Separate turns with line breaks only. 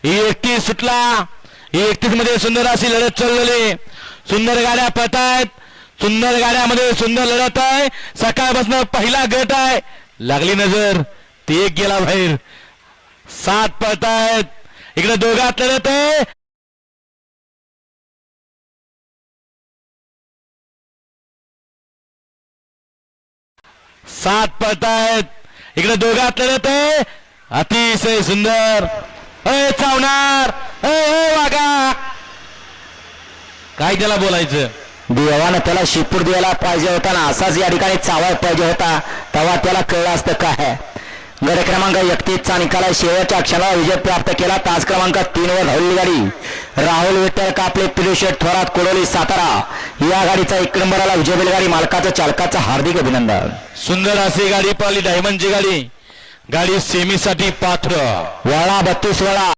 ही 31 सुटला. ही 31 मध्ये सुंदर अशी लढत चाललेली. सुंदर गाड्या पळतायत. सुंदर गाड्यामध्ये सुंदर लढत आहे. सकाळपासून पहिला गट आहे. लागली नजर ती एक गेला बाहेर. 7 पळतायत. इकडे दोघात लढत आहे. सात पळतायत. इकडे दोघात लढत आहे. अतिशय सुंदर. चावणार वागा. काय त्याला बोलायचं.
देवानं त्याला शिपूर द्यायला पाहिजे होता ना. असाच या ठिकाणी चावायला पाहिजे होता. तेव्हा त्याला कळलं असतं काय. गड क्रमांक 31चा निकाला शेवटच्या क्षणाला विजय प्राप्त केला. तास क्रमांक 3 वर धावलेली गाडी राहुल विठ्ठल कापले पिरुशेठ थोरात कोडोली सातारा. या गाडीचा 1 नंबरला विजय बैलगाडी मालकाचं चालकाचं हार्दिक अभिनंदन.
सुंदर अशी गाडी पळाली. डायमंडची गाडी. गाडी सेमीसाठी पात्र.
वळा 32 वळा